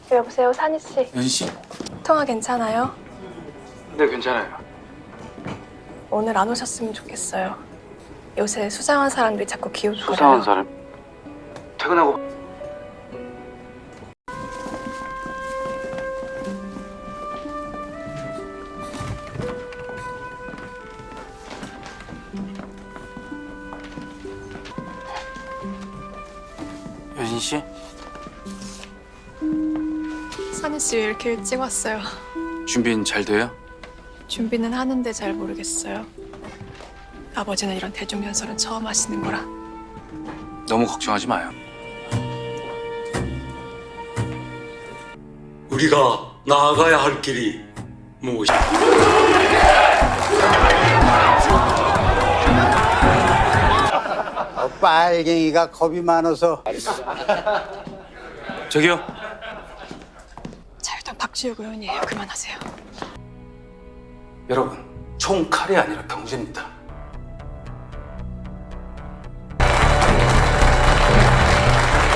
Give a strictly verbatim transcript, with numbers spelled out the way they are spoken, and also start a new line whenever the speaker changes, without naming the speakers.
여보세요, 산희 씨.
연희 씨?
통화 괜찮아요?
네, 괜찮아요.
오늘 안 오셨으면 좋겠어요. 요새 수상한 사람들이 자꾸 기웃거려요.
수상한 사람? 퇴근하고. 여진 씨?
산희 씨 왜 이렇게 일찍 왔어요?
준비는 잘 돼요?
준비는 하는데 잘 모르겠어요. 아버지는 이런 대중연설은 처음 하시는 거라.
너무 걱정하지 마요.
우리가 나아가야 할 길이 무엇이?
어, 빨갱이가 겁이 많아서.
저기요.
자유당 박지욱 의원이에요. 그만하세요.
여러분, 총 칼이 아니라 경제입니다.